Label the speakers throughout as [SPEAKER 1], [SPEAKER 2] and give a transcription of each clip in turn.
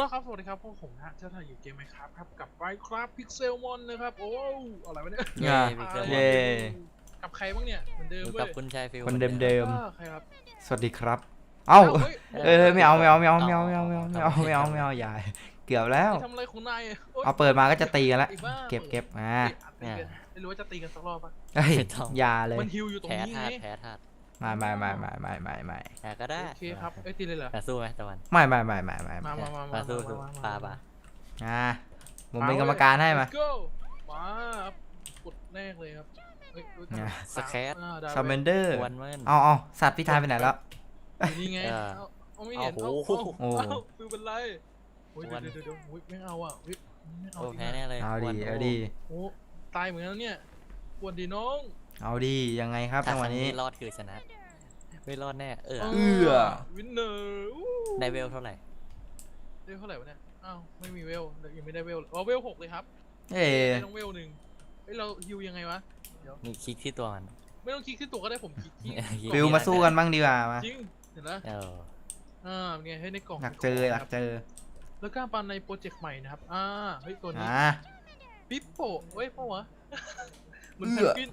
[SPEAKER 1] ลครับสวัสดีครับพวกผมนะเจ้าถ่ายอยู่เกมไหมครับกับ Minecraft Pixelmon นะครับโอ้อะไรวะเนี่ย
[SPEAKER 2] เย่
[SPEAKER 1] เย้กับใครบ้างเนี่ยเหมือนเดิม
[SPEAKER 2] อยู่
[SPEAKER 1] เว้
[SPEAKER 2] กับ
[SPEAKER 1] ย
[SPEAKER 2] คุณชายฟิล
[SPEAKER 3] คนเดิม
[SPEAKER 1] ใครครับ
[SPEAKER 3] ๆสวัสดีครับ เอ้า
[SPEAKER 1] เฮ้ย
[SPEAKER 3] ไม่เอาอย่าเกือบแล้ว
[SPEAKER 1] ทำอะไรของนายโอ๊ย
[SPEAKER 3] เอาเปิดมาก็จะตีกันแล้ว
[SPEAKER 1] ไอ้บ้า
[SPEAKER 3] เก็บมา
[SPEAKER 1] เฮ้ยตีกันไม่รู้ว่าจะตีกันสักรอบปะ
[SPEAKER 3] เฮ้ยอย่าเลย
[SPEAKER 1] มันฮิวอยู่ตรง
[SPEAKER 2] แพ้
[SPEAKER 1] นี้
[SPEAKER 2] ธา
[SPEAKER 1] ไง
[SPEAKER 2] ตุแพ้ธาตุ
[SPEAKER 3] ไม่
[SPEAKER 2] แต่ก็ได้
[SPEAKER 1] โอเคครับเอ้ยตีเลยเหรอ
[SPEAKER 2] สู้ไหมตะวัน
[SPEAKER 3] ไม่
[SPEAKER 1] มา
[SPEAKER 2] สู้ปา
[SPEAKER 3] ผมเป็นกรรมการให้มา
[SPEAKER 1] Let's go มาครับกดแรกเลยครับเฮ้ย
[SPEAKER 2] สแคต
[SPEAKER 3] ซาเมนเดอร์
[SPEAKER 2] วันเมิน
[SPEAKER 3] เอาสัตว์พี่ทายไปไหนแล้ว
[SPEAKER 1] อยู่นี่ไงเอาไม่เห็น
[SPEAKER 2] โอ้โห
[SPEAKER 1] ฟิวเป็นไรโอ้ยเดี๋ยวไม่เอาอ่ะไม่เอา
[SPEAKER 2] โอ้แพ้แน่เลย
[SPEAKER 3] เอาดี
[SPEAKER 1] โอ้ตายเหมือนกันเนี่ยปวดดีน้อง
[SPEAKER 3] เอาดียังไงครับ
[SPEAKER 2] ถ้า
[SPEAKER 3] จังห
[SPEAKER 2] ค
[SPEAKER 3] วะ
[SPEAKER 2] รั้ง
[SPEAKER 3] นี้
[SPEAKER 2] นี้รอดคือชนะ ไม่รอดแน่
[SPEAKER 1] วินเนอร์
[SPEAKER 2] ได้เวลเท่าไหร่
[SPEAKER 1] ได้เท่าไหร่วะเนี่ยอ้าวไม่มีเวลยังไม่ได้เวลเวล6เลยครับ
[SPEAKER 3] เอ๊ะ
[SPEAKER 1] ต้องเวล1เฮ้ยเราฮิวยังไงวะเดี๋ยว
[SPEAKER 2] นี่คลิกที่ตัวมัน
[SPEAKER 1] ไม่ต้องคลิกขึ้นตัวก็ได้ผมคลิกที่
[SPEAKER 3] ฟิวมาสู้กันบ้างดีกว่ามา
[SPEAKER 1] จริงเห็นไหม เป็นไงให้ในกล่อง
[SPEAKER 3] อยากเจอ
[SPEAKER 1] แล้วก็ปันในโปรเจกต์ใหม่นะครับเฮ้ยตัวนี้ ปิ๊บโป้เฮ้ยเปล่าวะมันเพนกวิน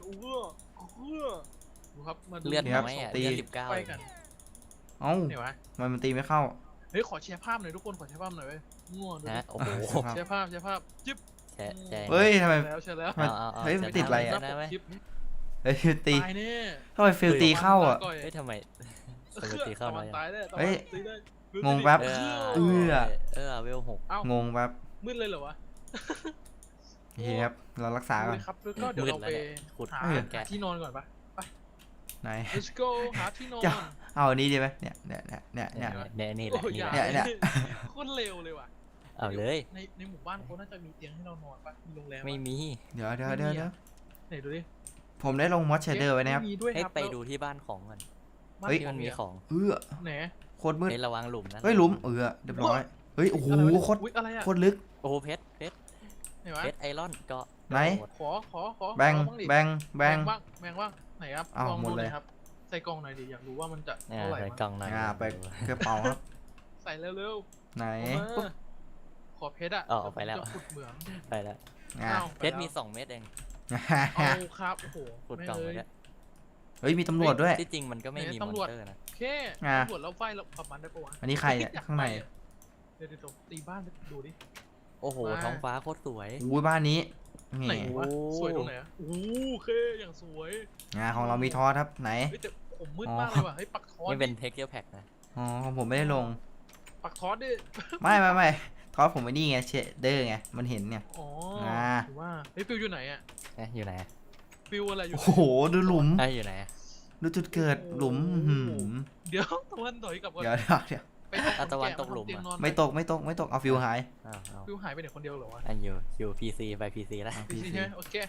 [SPEAKER 1] ดูครับมาดู
[SPEAKER 2] เลือดน้อยอ่ะเลือด19
[SPEAKER 1] ไปกัน
[SPEAKER 3] เอ้า
[SPEAKER 1] ไหนวะ
[SPEAKER 3] มันตีไม่เข้า
[SPEAKER 1] เฮ้ยขอแชร์ภาพหน่อยทุกคนขอแชร์ภาพหน่อยเว้ยง่วงดู
[SPEAKER 2] นะโอ้โห
[SPEAKER 1] แชร์ภาพจิ๊บ
[SPEAKER 2] แช่
[SPEAKER 3] เฮ้ยทำไม
[SPEAKER 1] แชร์แล้ว
[SPEAKER 3] เฮ้ยมันติดอะไรอะ
[SPEAKER 2] ได้ไหม
[SPEAKER 1] คลิป
[SPEAKER 3] เฮ้ยฟิวตี
[SPEAKER 1] ตายเนี่ย
[SPEAKER 3] ทำไมฟิวตีเข้าอ่ะ
[SPEAKER 2] เฮ้ยทำไมตีเข้าน้อย
[SPEAKER 1] ตายได้
[SPEAKER 3] เฮ้ย
[SPEAKER 1] ตีได้
[SPEAKER 3] งงแป๊บ
[SPEAKER 2] เวล6
[SPEAKER 3] งงแบบ
[SPEAKER 1] มืดเลยเหรอวะ
[SPEAKER 3] โอเคครับเรารักษาก่อน
[SPEAKER 1] ครับแล้วก็เดี๋ยวเราไป
[SPEAKER 2] ขุด
[SPEAKER 1] หาที่นอนก่อนปะ
[SPEAKER 3] ไหน
[SPEAKER 1] let's go หาที่นอน
[SPEAKER 3] จะเอาอันนี้ดีไหมเนี่ย
[SPEAKER 2] เนี่ยนี่แห
[SPEAKER 1] โอ้
[SPEAKER 2] ละ
[SPEAKER 1] ยอย่า
[SPEAKER 3] เนี่ย
[SPEAKER 1] โคตรเร็วเลยว่ะ
[SPEAKER 2] เอาเลย
[SPEAKER 1] ในหมู่บ้านเขาน่าจะมีเตียงให้เรานอนปะมีโรงแรม
[SPEAKER 2] ไม่มี
[SPEAKER 3] เดี๋ยว
[SPEAKER 1] ไหนดูดิ
[SPEAKER 3] ผมได้ลงมอสเชเดอร์ไว้นะครับ
[SPEAKER 1] มีด้วย
[SPEAKER 2] ให้
[SPEAKER 1] ครับ
[SPEAKER 2] ไปดูที่บ้านของมัน
[SPEAKER 3] เฮ้ย
[SPEAKER 2] ที่มันมีของ
[SPEAKER 1] ไหน
[SPEAKER 3] โคตรมืด
[SPEAKER 2] ให้ระวังหลุมนะ
[SPEAKER 3] เฮ้ยหลุมเรียบร้อยเฮ้ยโอ้โหโคตร
[SPEAKER 1] อะไรอะ
[SPEAKER 3] โคตรลึก
[SPEAKER 2] โอ้โหเพชร
[SPEAKER 1] ไหนวะ
[SPEAKER 2] ไอรอนก็
[SPEAKER 3] ไหน
[SPEAKER 1] ขอ
[SPEAKER 3] แบง
[SPEAKER 1] แบงบ้างไหนครับ
[SPEAKER 3] อ้าว
[SPEAKER 1] ลอง
[SPEAKER 3] หม
[SPEAKER 1] ดู
[SPEAKER 3] ด
[SPEAKER 1] ห
[SPEAKER 3] เล
[SPEAKER 1] น่อย ยครับใส่กล่องหน่อยดิอยากรู้ว่ามันจะ
[SPEAKER 2] เนี่ย
[SPEAKER 1] เท่าไหร่
[SPEAKER 2] ใส่
[SPEAKER 1] วะ
[SPEAKER 2] กล่องหน่อย
[SPEAKER 3] ไปกระเป๋าครับ
[SPEAKER 1] ใส่เร็ว
[SPEAKER 3] ไหน
[SPEAKER 1] ขอเพชรอะ
[SPEAKER 2] ไปแล้ว
[SPEAKER 1] จะขุดเหมือง
[SPEAKER 2] ไปแล้ว เพชรมี2 เม็ดเอง
[SPEAKER 1] เอาครับโอ้โห
[SPEAKER 2] ขุดกล่องไปแล้ว
[SPEAKER 3] เฮ้ยมีตำรวจด้วย
[SPEAKER 2] ที่จริงมันก็ไม่มีมอนเตอร์นะ
[SPEAKER 1] แค่ตำรวจแล้วไฟเราขับมันได้ปะวะ
[SPEAKER 3] อันนี้ใครเนี่ยข้างใน
[SPEAKER 1] เดี๋ยวตีบ้านดูดิ
[SPEAKER 2] โอ้โหท้องฟ้าโคตรสวย
[SPEAKER 3] อุ้ยบ้านนี้
[SPEAKER 1] ไหน
[SPEAKER 3] นี่
[SPEAKER 1] วะสวยตรงไหนอะโอ้เคอย่างสวย
[SPEAKER 3] ของเรามีทอสครับไหน
[SPEAKER 1] เฮ้ยแต่ผมมืดมากเลยว่ะเฮ้ยปักทอส
[SPEAKER 2] นี่เป็นเทคเจอร์แพ็กนะ
[SPEAKER 3] อ๋อของผมไม่ได้ลง
[SPEAKER 1] ปักทอสดิ
[SPEAKER 3] ไม่ทอสผมไอ้นี่ไงเชเดอร์ไงมันเห็นเนี่ย
[SPEAKER 1] อ๋อถือว่าเฮ้ยฟิวอยู่ไหนอะ
[SPEAKER 2] อยู่ไหน
[SPEAKER 1] ฟิวอะไรอยู่
[SPEAKER 3] โอ้โหดูหลุม
[SPEAKER 2] อยู่ไหน
[SPEAKER 3] ดูจุดเกิดหลุม
[SPEAKER 1] เดี๋ยวตะวันถอยกลับก่อน
[SPEAKER 3] เดี๋ยว
[SPEAKER 1] ตะวันตกหลุม
[SPEAKER 3] ไม่ตกเอาฟิวหาย
[SPEAKER 1] ฟิวหายไปไหนคนเดียวเหรอวะ
[SPEAKER 2] อันอยู่พีซีไปพีซีแล้ว
[SPEAKER 1] พีซีใช่ไหมโอเค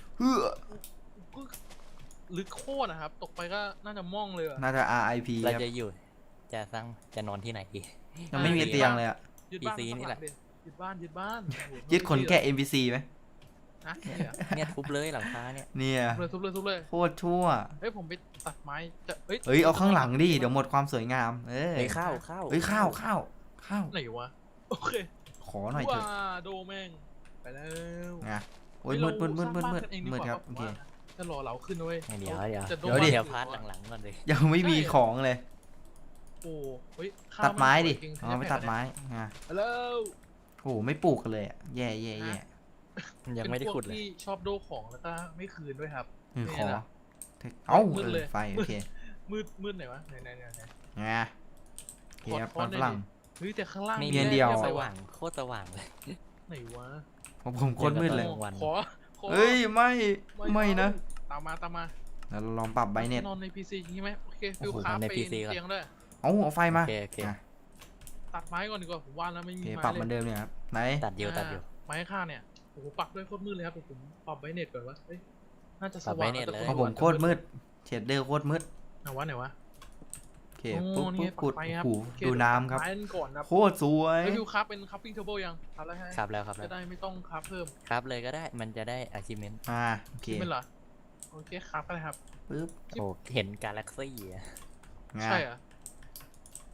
[SPEAKER 1] ลึกโคตรนะครับตกไปก็น่าจะม่องเลยอะ
[SPEAKER 3] น่าจะ RIP
[SPEAKER 2] เรา
[SPEAKER 3] ครับ
[SPEAKER 2] จะนอนที่ไหนดี
[SPEAKER 3] ยังไม่มีเตียงเลยอ่ะ
[SPEAKER 1] ยึดบ้าน
[SPEAKER 2] PC นี่แหละ
[SPEAKER 1] ยึดบ้าน
[SPEAKER 3] ยึดขนแกะ NPC ไหม
[SPEAKER 1] นะ
[SPEAKER 2] เนี่ยทุบเลยหลังคาเนี่ย
[SPEAKER 3] เนี่ย
[SPEAKER 1] ทุบเลย
[SPEAKER 3] โคตรชั่ว
[SPEAKER 1] เฮ้ยผมไปตัดไม้จะ
[SPEAKER 3] เฮ้ยเอาข้างหลังดิเดี๋ยวหมดความสวยงาม
[SPEAKER 2] เฮ้ยข้าว
[SPEAKER 3] เฮ้ยข้าว
[SPEAKER 1] ไหนวะโอเค
[SPEAKER 3] ขอหน่อยเถอะ
[SPEAKER 1] ว้าโดแม่งไปแล้ว
[SPEAKER 3] โอ้ยมืดครับโอเค
[SPEAKER 1] จะรอเราขึ้นเว้ย
[SPEAKER 2] เดี๋ยว
[SPEAKER 3] เดี๋ยว
[SPEAKER 2] พาร์ทหลังๆก่อนเลย
[SPEAKER 3] ยังไม่มีของเลย
[SPEAKER 1] โอ้เฮ้ย
[SPEAKER 3] ตัดไม้ดิไม่ตัดไม้
[SPEAKER 1] แล้ว
[SPEAKER 3] โอ้ไม่ปลูกกันเลยแย่
[SPEAKER 2] ยังไม่ได้ขุดเลย
[SPEAKER 1] ที่ชอบโดของแล้วก็ไม่คืนด้วยครับ
[SPEAKER 3] ขอเอ้าไฟโอเค
[SPEAKER 1] มืดไหนวะไหน
[SPEAKER 3] โอเคครับฝรั่ง
[SPEAKER 1] เฮ้ยแต่ข้างล่าง
[SPEAKER 3] มีเพียงเดียว
[SPEAKER 2] สว่างโคตรสว่างเลย
[SPEAKER 1] ไหนวะ
[SPEAKER 3] ผมโคตรมืดเลย
[SPEAKER 1] ขอ
[SPEAKER 3] เฮ้ยไม่นะ
[SPEAKER 1] ตามมา
[SPEAKER 3] เราลองปรับไบเน็ต
[SPEAKER 1] นอนใน PC ใช่ไหมโอเคฟิลคราฟไปเตียงด้วย
[SPEAKER 3] เอาไฟมา
[SPEAKER 2] โอเค
[SPEAKER 1] ตัดไม้ก่อนดีกว่าผมว่าแล้วไม่มี
[SPEAKER 3] โอเค
[SPEAKER 1] ไม้
[SPEAKER 3] ปรับเหมือนเดิมเนี่ยครับไหน
[SPEAKER 2] ตัดอยู่
[SPEAKER 1] ไม้ข้างเนี่ยโอ้โหปักด้วยโคตรมืดเลยครับผมปรับไบเน็ตก่อนวะเฮ้ยน่าจะส
[SPEAKER 2] ปรับไว้
[SPEAKER 1] ว่าง
[SPEAKER 2] เน็ตเลย
[SPEAKER 3] ของผมโคตรมืดเชดเดอร์โคตรมืด
[SPEAKER 1] ไหนวะ
[SPEAKER 3] โอเคปุ๊บขุด
[SPEAKER 1] ไฟครับ
[SPEAKER 3] หูดูน้ำครับ
[SPEAKER 1] ไม้ก่อนนะ
[SPEAKER 3] โคตรสวย
[SPEAKER 1] ฟิลคราฟเป็นคัพปิ้งเทเบิลยังครับแล้วฮะ
[SPEAKER 2] ครับแล้ว
[SPEAKER 1] จะได้ไม่ต้องคราฟเพิ่ม
[SPEAKER 2] ครับเลยก็ได้มันจะได้ achievement
[SPEAKER 3] โอเค
[SPEAKER 1] ไม่เหรอโอเคคราฟอะไรครับ
[SPEAKER 3] ปึ๊บ
[SPEAKER 2] โอ้เห็นกาแล็กซี่
[SPEAKER 1] ใช่อ่ะ